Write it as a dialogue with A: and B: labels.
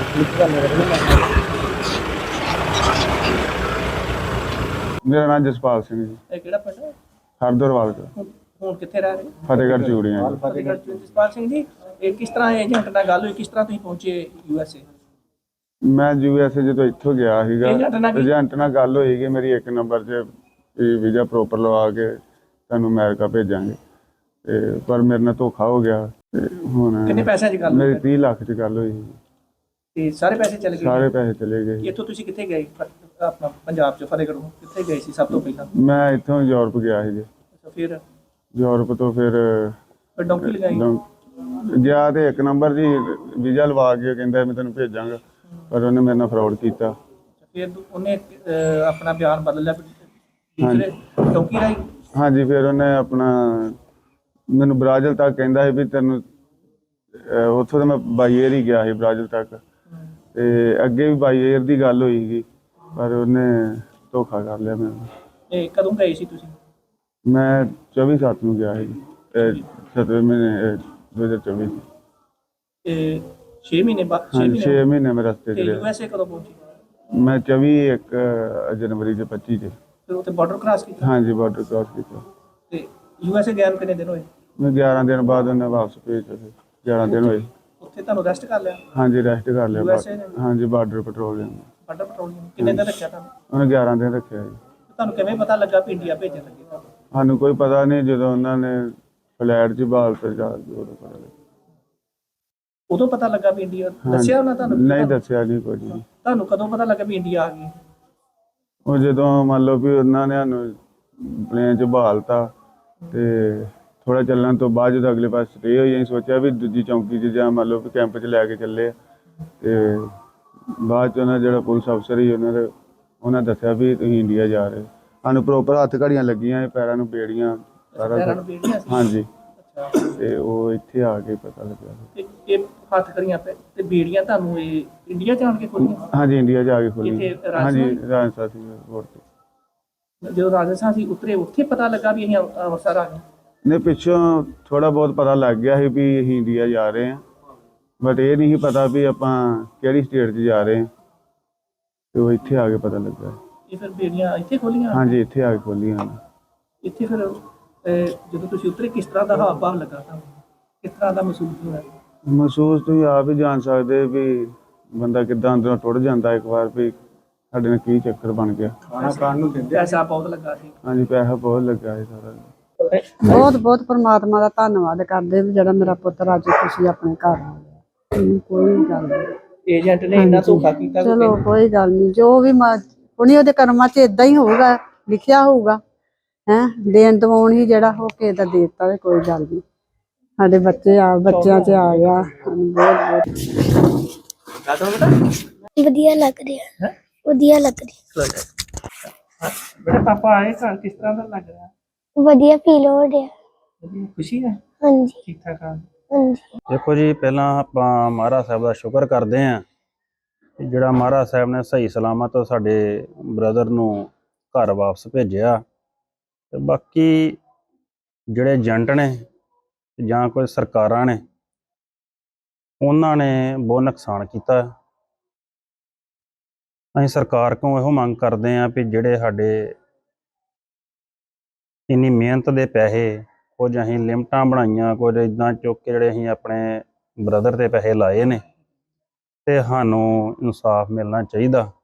A: मेरा नाम जसपाल सिंह जी।
B: ਇਹ ਕਿਹੜਾ ਪਿੰਡ ਹੈ?
A: हरदोरवाल का
B: ਹੁਣ ਕਿੱਥੇ ਰਹਿ ਰਹੇ ਹੋ?
A: फतेहगढ़ चूड़ियाँ जी।
B: ਫਤਿਹਗੜ੍ਹ ਚ। ਜਸਪਾਲ ਸਿੰਘ ਜੀ, ਇਹ ਕਿਸ ਤਰ੍ਹਾਂ ਏਜੰਟ ਨਾਲ ਗੱਲ ਹੋਈ, ਕਿਸ ਤਰ੍ਹਾਂ ਤੁਸੀਂ ਪਹੁੰਚੇ USA?
A: मैं USA ਜਦੋਂ ਇੱਥੋਂ ਗਿਆ ਸੀਗਾ
B: ਏਜੰਟ ਨਾਲ ਕੀ?
A: ਏਜੰਟ ਨਾਲ ਗੱਲ ਹੋਈ ਕਿ ਮੇਰੀ 1 ਨੰਬਰ 'ਚ ਵੀਜ਼ਾ ਪ੍ਰੋਪਰ ਲਵਾ ਕੇ ਤੁਹਾਨੂੰ ਅਮਰੀਕਾ ਭੇਜਾਂਗੇ ਤੇ ਪਰ ਮੇਰੇ ਨਾਲ ਧੋਖਾ ਹੋ ਗਿਆ ਤੇ ਹੁਣ
B: ਕਿੰਨੇ ਪੈਸਿਆਂ 'ਚ ਗੱਲ
A: ਮੇਰੀ
B: ਹੋਈ?
A: 30 ਲੱਖ 'ਚ ਗੱਲ ਹੋਈ ਸੀ।
B: ਤੇ ਸਾਰੇ ਪੈਸੇ ਚਲੇ ਗਏ?
A: ਸਾਰੇ ਪੈਸੇ ਚਲੇ ਗਏ।
B: ਇੱਥੋਂ ਤੁਸੀਂ ਕਿੱਥੇ ਗਏ? ਆਪਣਾ ਪੰਜਾਬ 'ਚ ਫਤਿਹਗੜ੍ਹੋਂ ਕਿੱਥੇ ਗਏ ਸੀ ਸਭ ਤੋਂ ਪਹਿਲਾਂ?
A: ਮੈਂ ਇੱਥੋਂ ਯੂਰਪ ਗਿਆ ਸੀ ਜੀ।
B: ਅੱਛਾ, ਫਿਰ
A: ਯੂਰਪ ਤੋਂ ਫਿਰ
B: ਡੌਂਕੀ ਲਗਾਈ?
A: ਗਿਆ ਤੇ 1 ਨੰਬਰ ਜੀ ਵੀਜ਼ਾ ਲਵਾ ਕੇ ਕਹਿੰਦਾ ਮੈਂ ਤੈਨੂੰ ਭੇਜਾਂਗਾ ਪਰ ਉਹਨੇ ਮੇਰੇ ਨਾਲ ਫਰਾਡ ਕੀਤਾ।
B: ਫਿਰ ਉਹਨੇ ਆਪਣਾ ਬਿਆਨ ਬਦਲ ਲਿਆ ਦੂਸਰੇ ਡੌਂਕੀ ਰਾਹੀਂ?
A: ਹਾਂਜੀ, ਫਿਰ ਉਹਨੇ ਆਪਣਾ ਮੈਨੂੰ ਬ੍ਰਾਜ਼ਿਲ ਤੱਕ ਕਹਿੰਦਾ ਸੀ ਵੀ ਤੈਨੂੰ ਉੱਥੋਂ ਤਾਂ ਮੈਂ ਬਾਈ ਏਅਰ ਹੀ ਗਿਆ ਸੀ ਬ੍ਰਾਜ਼ਿਲ ਤੱਕ ਤੇ ਅੱਗੇ ਵੀ ਬਾਈ ਏਅਰ ਦੀ ਗੱਲ ਹੋਈ ਸੀ ਪਰ ਉਹਨੇ ਧੋਖਾ ਕਰ ਲਿਆ ਮੈਨੂੰ।
B: ਇਹ ਕਦੋਂ ਗਏ ਸੀ ਤੁਸੀਂ?
A: ਮੈਂ 24/7 ਨੂੰ ਗਿਆ ਸੀ 7ਵੇਂ ਮਹੀਨੇ 2024
B: ਤੇ 6 ਮਹੀਨੇ ਬਾਅਦ?
A: 6 ਮਹੀਨੇ ਮੈਂ ਰਸਤੇ 'ਚ
B: ਤੇ
A: ਰਿਹਾ।
B: USA ਕਦੋਂ ਪਹੁੰਚੇ?
A: ਮੈਂ 24 ਜਨਵਰੀ ਦੇ 25 'ਚ।
B: ਫਿਰ ਉੱਥੇ ਬਾਰਡਰ ਕ੍ਰਾਸ ਕੀਤਾ?
A: ਹਾਂਜੀ, ਬਾਰਡਰ ਕ੍ਰਾਸ ਕੀਤਾ।
B: ਤੇ USA ਗਏ ਨੂੰ ਕਿੰਨੇ ਦਿਨ ਹੋਏ?
A: ਮੈਂ 11 ਦਿਨ ਬਾਅਦ ਉਹਨੇ ਵਾਪਸ ਭੇਜਿਆ ਸੀ। 11 ਦਿਨ ਹੋਏ।
B: ਉੱਥੇ ਤੁਹਾਨੂੰ ਰੈਸਟ ਕਰ ਲਿਆ?
A: ਹਾਂਜੀ, ਰੈਸਟ ਕਰ ਲਿਆ।
B: USA ਨੇ?
A: ਹਾਂਜੀ, ਬਾਰਡਰ ਪੈਟਰੋਲਿੰਗ
B: ਬਾਰਡਰ ਪੈਟਰੋਲਿੰਗ ਕਿੰਨੇ ਦਿਨ ਰੱਖਿਆ ਤੁਹਾਨੂੰ?
A: ਉਹਨੇ 11 ਦਿਨ ਰੱਖਿਆ ਜੀ।
B: ਤੁਹਾਨੂੰ ਕਿਵੇਂ ਪਤਾ ਲੱਗਾ ਵੀ ਇੰਡੀਆ ਭੇਜਣ ਲੱਗੇ ਤੁਹਾਨੂੰ?
A: ਸਾਨੂੰ ਕੋਈ ਪਤਾ ਨਹੀਂ, ਜਦੋਂ ਉਹਨਾਂ ਨੇ ਫਲੈਟ 'ਚ ਬਾਲ ਤੇ ਜਾ ਕੇ ਉਦੋਂ ਪਤਾ ਲੱਗਾ।
B: ਉਦੋਂ ਪਤਾ ਲੱਗਾ ਵੀ ਇੰਡੀਆ? ਦੱਸਿਆ ਉਹਨਾਂ ਤੁਹਾਨੂੰ?
A: ਨਹੀਂ ਦੱਸਿਆ ਨਹੀਂ ਕੁਝ ਵੀ।
B: ਤੁਹਾਨੂੰ ਕਦੋਂ ਪਤਾ ਲੱਗਾ ਵੀ ਇੰਡੀਆ ਆ ਗਈ?
A: ਉਹ ਜਦੋਂ ਮੰਨ ਲਓ ਵੀ ਉਹਨਾਂ ਨੇ ਸਾਨੂੰ ਪਲੇਨ 'ਚ ਬਹਾਲਤਾ ਤੇ ਥੋੜਾ ਚੱਲਣ ਤੋਂ ਬਾਅਦ ਜਦੋਂ ਅਗਲੇ ਪਾਸੇ ਸਟੇ ਹੋਈ ਅਸੀਂ ਸੋਚਿਆ ਵੀ ਦੂਜੀ ਚੌਂਕੀ 'ਚ ਜਾਂ ਮੰਨ ਲਓ ਵੀ ਕੈਂਪ 'ਚ ਲੈ ਕੇ ਚੱਲੇ ਤੇ ਬਾਅਦ 'ਚ ਉਹਨਾਂ ਜਿਹੜਾ ਪੁਲਿਸ ਅਫਸਰ ਸੀ ਉਹਨਾਂ ਦੱਸਿਆ ਵੀ ਤੁਸੀਂ ਇੰਡੀਆ ਜਾ ਰਹੇ। ਸਾਨੂੰ ਪ੍ਰੋਪਰ ਹੱਥ ਘੜੀਆਂ ਲੱਗੀਆਂ, ਪੈਰਾਂ ਨੂੰ ਬੇੜੀਆਂ, ਸਾਰਾ
B: ਪੈਰਾਂ ਨੂੰ ਬੀੜੀਆਂ ਸੀ?
A: ਹਾਂਜੀ।
B: ਅੱਛਾ,
A: ਤੇ ਉਹ ਇੱਥੇ ਆ ਕੇ ਪਤਾ ਲੱਗਿਆ।
B: ਤੇ ਇਹ ਹੱਥ ਕਰੀਆਂ ਤੇ ਬੀੜੀਆਂ ਤੁਹਾਨੂੰ ਇਹ ਇੰਡੀਆ ਜਾਣ ਕੇ ਖੋਲੀਆਂ?
A: ਹਾਂਜੀ, ਇੰਡੀਆ ਜਾ ਕੇ ਖੋਲੀ।
B: ਇੱਥੇ ਰਾਜਸਥਾਨ?
A: ਹਾਂਜੀ, ਰਾਜਸਥਾਨ ਸੀ 에ਅਰਪੋਰਟ ਤੇ।
B: ਜਦੋਂ ਰਾਜਸਥਾਨ ਸੀ ਉਤਰੇ ਉੱਥੇ ਪਤਾ ਲੱਗਾ ਵੀ ਅਸੀਂ ਅੰਮ੍ਰਿਤਸਰ ਆ ਗਏ?
A: ਨੇ ਪਿੱਛੋਂ ਥੋੜਾ ਬਹੁਤ ਪਤਾ ਲੱਗ ਗਿਆ ਸੀ ਵੀ ਅਸੀਂ ਇੰਡੀਆ ਜਾ ਰਹੇ ਹਾਂ ਬਟ ਇਹ ਨਹੀਂ ਸੀ ਪਤਾ ਵੀ ਆਪਾਂ ਕਿਹੜੀ ਸਟੇਟ 'ਚ ਜਾ ਰਹੇ ਹਾਂ ਤੇ ਉਹ ਇੱਥੇ ਆ ਕੇ ਪਤਾ ਲੱਗਾ।
B: ਇਹ ਫਿਰ ਬੀੜੀਆਂ ਇੱਥੇ ਖੋਲੀਆਂ?
A: ਹਾਂਜੀ, ਇੱਥੇ ਆ ਕੇ ਖੋਲੀਆਂ।
B: ਇੱਥੇ ਫਿਰ ਜਦੋਂ ਤੁਸੀਂ ਉਤਰੇ ਕਿਸ ਤਰ੍ਹਾਂ ਦਾ ਹਾਵ ਭਾਵ ਲੱਗਾ ਤੁਹਾਨੂੰ? ਕਿਸ ਤਰ੍ਹਾਂ ਦਾ ਮਹਿਸੂਸ ਹੋਇਆ?
A: ਮਹਿਸੂਸ ਤੁਸੀਂ ਆਪ ਹੀ ਜਾਣ ਸਕਦੇ ਵੀ ਬੰਦਾ ਕਿੱਦਾਂ ਅੰਦਰੋਂ ਟੁੱਟ ਜਾਂਦਾ ਇੱਕ ਵਾਰ ਵੀ ਸਾਡੇ ਨਾਲ ਕੀ ਚੱਕਰ ਬਣ ਗਿਆ।
B: ਖਾਣਾ ਖਾਣ ਨੂੰ ਦਿੰਦੇ? ਪੈਸਾ ਬਹੁਤ ਲੱਗਾ ਸੀ?
A: ਹਾਂਜੀ, ਪੈਸਾ ਬਹੁਤ ਲੱਗਾ ਸੀ ਸਾਰਾ।
C: ਬਹੁਤ ਬਹੁਤ ਪਰਮਾਤਮਾ ਦਾ ਧੰਨਵਾਦ ਕਰਦੇ ਵੀ ਜਿਹੜਾ ਮੇਰਾ ਪੁੱਤਰ ਅੱਜ ਖੁਸ਼ੀ ਆਪਣੇ ਘਰ ਆ ਗਿਆ। ਕੋਈ ਗੱਲ ਨਹੀਂ,
B: ਏਜੰਟ ਨੇ ਇੰਨਾ ਧੋਖਾ ਕੀਤਾ?
C: ਚਲੋ ਕੋਈ ਗੱਲ ਨਹੀਂ, ਜੋ ਵੀ ਉਹਨੇ ਉਹਦੇ ਕਰਮਾਂ 'ਚ ਇਦਾਂ ਹੀ ਹੋਊਗਾ, ਲਿਖਿਆ ਹੋਊਗਾ। ਦੇਣ ਦਵਾਉਣ ਹੀ ਜਿਹੜਾ ਹੋ ਕੇ ਦਾ ਦੇ ਦਿੱਤਾ, ਕੋਈ ਗੱਲ ਨਹੀਂ। ਸਾਡੇ ਬੱਚਿਆਂ 'ਚ ਆ ਗਿਆ। ਬਹੁਤ
D: ਵਧੀਆ ਲੱਗ ਰਿਹਾ ਹੈ। ਵਧੀਆ ਲੱਗ ਰਿਹਾ।
B: ਬੇਟਾ ਪਾਪਾ ਆਏ ਘਰ, ਕਿਸ ਤਰ੍ਹਾਂ ਦਾ ਲੱਗ ਰਿਹਾ?
D: ਵਧੀਆ ਫੀਲ ਹੋ ਰਿਹਾ।
B: ਵਧੀਆ, ਖੁਸ਼ੀ ਹੈ?
D: ਹਾਂਜੀ
B: ਠੀਕ ਠਾਕ ਆ?
D: ਹਾਂਜੀ।
E: ਦੇਖੋ ਜੀ, ਪਹਿਲਾਂ ਆਪਾਂ ਮਹਾਰਾਜ ਸਾਹਿਬ ਦਾ ਸ਼ੁਕਰ ਕਰਦੇ ਹਾਂ ਕਿ ਜਿਹੜਾ ਮਹਾਰਾਜ ਸਾਹਿਬ ਨੇ ਸਹੀ ਸਲਾਮਤ ਸਾਡੇ ਬ੍ਰਦਰ ਨੂੰ ਘਰ ਵਾਪਸ ਭੇਜਿਆ। ਤੇ ਬਾਕੀ ਜਿਹੜੇ ਏਜੰਟ ਨੇ ਜਾਂ ਕੋਈ ਸਰਕਾਰਾਂ ਨੇ ਉਹਨਾਂ ਨੇ ਬਹੁਤ ਨੁਕਸਾਨ ਕੀਤਾ। ਅਸੀਂ ਸਰਕਾਰ ਕੋਲੋਂ ਇਹੋ ਮੰਗ ਕਰਦੇ ਹਾਂ ਵੀ ਜਿਹੜੇ ਸਾਡੇ ਇੰਨੀ ਮਿਹਨਤ ਦੇ ਪੈਸੇ, ਕੁਝ ਅਸੀਂ ਲਿਮਟਾਂ ਬਣਾਈਆਂ, ਕੁਝ ਇੱਦਾਂ ਚੁੱਕ ਕੇ ਜਿਹੜੇ ਅਸੀਂ ਆਪਣੇ ਬ੍ਰਦਰ 'ਤੇ ਪੈਸੇ ਲਾਏ ਨੇ, ਤੇ ਸਾਨੂੰ ਇਨਸਾਫ ਮਿਲਣਾ ਚਾਹੀਦਾ।